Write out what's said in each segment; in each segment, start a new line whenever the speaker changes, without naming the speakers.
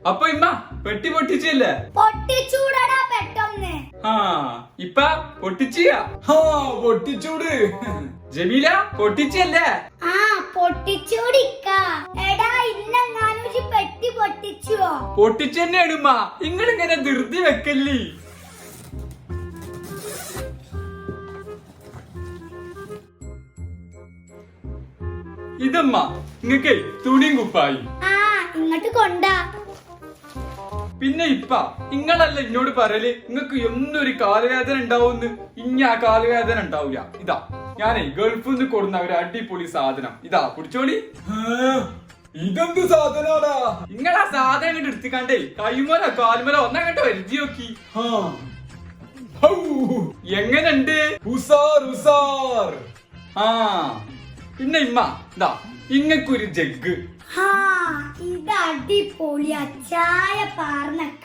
അപ്പൊ ഇമ്മ പെട്ടി പൊട്ടിച്ചല്ലേ?
പൊട്ടിച്ചൂടടാ പെട്ടെന്ന്.
ആ ഇപ്പ പൊട്ടിച്ചിയ?
പൊട്ടിച്ചൂട്.
ജമീല പൊട്ടിച്ചല്ലേ?
ആ പൊട്ടിച്ചൂടിക്ക. എടാ ഇന്നെങ്ങാനും ഒരു പെട്ടി പൊട്ടിച്ചുവോ?
പൊട്ടിച്ചെന്നെയാണ് ഉമ്മ. ഇങ്ങളിങ്ങനെ ധൃതി വെക്കല്ലേ. ഇതമ്മ നിങ്ങക്ക് തുണിയും കുപ്പായി.
ആ ഇങ്ങോട്ട് കൊണ്ടാ.
പിന്നെ ഇപ്പ ഇങ്ങളല്ല എന്നോട് പറയല് നിങ്ങക്ക് എന്നൊരു കാലുവേദന ഉണ്ടാവുന്ന്. ഇനി ആ കാലുവേദന ഉണ്ടാവൂല. ഇതാ ഞാനേ ഗൾഫിൽ നിന്ന് കൊടുന്ന ഒരു അടിപൊളി സാധനം. ഇതാ കുടിച്ചോളി.
ഇതെന്ത് സാധനാടാ?
നിങ്ങളാ സാധനം ഇങ്ങോട്ട് എടുത്തിക്കാണ്ടേ കൈമല കാലുമല ഒന്നങ്ങോട്ട് വരുതി നോക്കി. എങ്ങനുണ്ട്?
ഉസാർ ഉസാർ.
ആ പിന്നെ ഇമ്മ ഇതാ ഇങ്ങക്കൊരു ജഗ്.
ഇത് അടിപൊളിയാ. ചായ പാർന്നക്ക.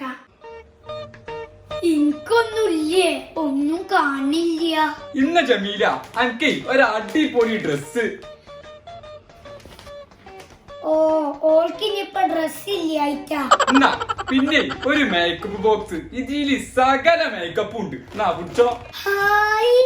എനിക്കൊന്നുമില്ലേ, ഒന്നും കാണില്ല.
ഇന്ന ജമീല അനക്കേ ഒരു അടിപൊളി ഡ്രസ്.
ഓ ഓൾക്കിനിപ്പോ ഡ്രസ് ഇല്ലായിട്ടാ.
എന്നാ പിന്നെ ഒരു മേക്കപ്പ് ബോക്സ്. ഇതില് സകല മേക്കപ്പും ഉണ്ട്. എന്നാ പിടിച്ചോ.
ഹായ്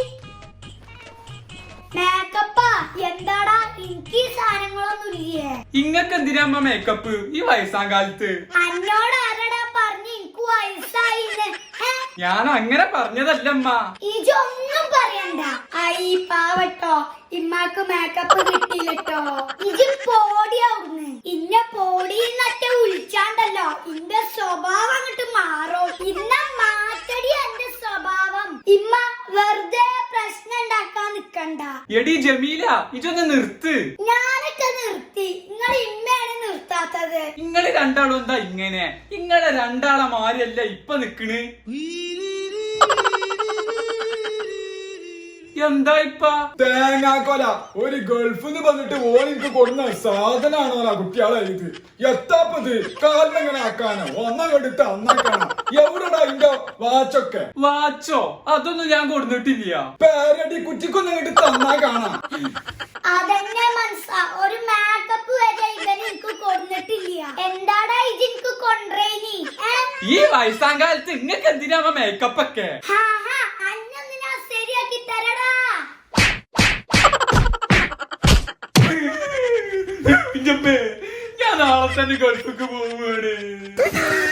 മേക്കപ്പാ. എന്താടാ എനിക്ക് സാധനങ്ങളൊന്നും ഇല്ലേ?
ഇങ്ങക്ക് എന്തിനാ മേക്കപ്പ് ഈ വയസ്സാം കാലത്ത്?
അന്നോട് ആരടാ പറഞ്ഞ് എനിക്ക് വയസ്സായിന്ന്?
ഞാൻ അങ്ങനെ പറഞ്ഞതല്ലമ്മ.
ഇജൊന്നും പറയണ്ട. ഐ പാവട്ടോ, ഇമ്മാക്ക് മേക്കപ്പ് കിട്ടിയില്ലട്ടോ. ഇജ് പോടിയാവുന്ന്. ഇന്ന പോടിന്നൊക്കെ വിളിച്ചാണ്ടല്ലോ ഇന്റെ സ്വഭാവം അങ്ങോട്ട് മാറോ. ഇന്ന മാറ്റടി എന്റെ സ്വഭാവം. ഇമ്മ വെറുതെ പ്രശ്നം ഉണ്ടാക്കാൻ നിക്കണ്ട.
എടി ജമീല ഇതൊന്ന് നിർത്ത്.
ഞാനൊക്കെ നിർത്തി. നിങ്ങൾ ഇമ്മയാണ് നിർത്താത്തത്.
ഇങ്ങള് രണ്ടാളും എന്താ ഇങ്ങനെ? ഇങ്ങളെ രണ്ടാളെ മാരിയല്ല ഇപ്പൊ നിക്കണ്. എന്താ ഇപ്പ?
തേങ്ങാക്കൊല. ഒരു ഗൾഫിന്ന് വന്നിട്ട് ഓനിക്ക് കൊടുന്ന സാധനാണോലാ കുട്ടിയാളെ ഇത്. എത്താപ്പത് കാലിനെങ്ങനെ ആക്കാനോ ഒന്നങ്ങെടുത്ത് അന്നാക്കാനോ? എവിടെടാ ഇന്റെ വാച്ചൊക്കെ?
വാച്ചോ? അതൊന്നും ഞാൻ കൊടുത്തിട്ടില്ല.
പേരടി കുറ്റിക്കൊന്നങ്ങട്ട് തന്നാ കാണാം.
അതെന്നെ മനസ്സാ. ഒരു മേക്കപ്പ് വരെ ഇവന് എനിക്ക് കൊണ്ടിട്ടില്ല. എന്താടാ ഇത് എനിക്ക് കൊണ്ടേനി?
ഈ വയസ്സാം കാലത്ത് ഇങ്ങക്ക് എന്തിനാ മേക്കപ്പ് ഒക്കെ?
അന്നൊന്നിനാ ശരിയാക്കി തരടാ.
ഞാൻ നാളെ തന്നെ ഗൾഫിക്ക് പോവുകയാണ്.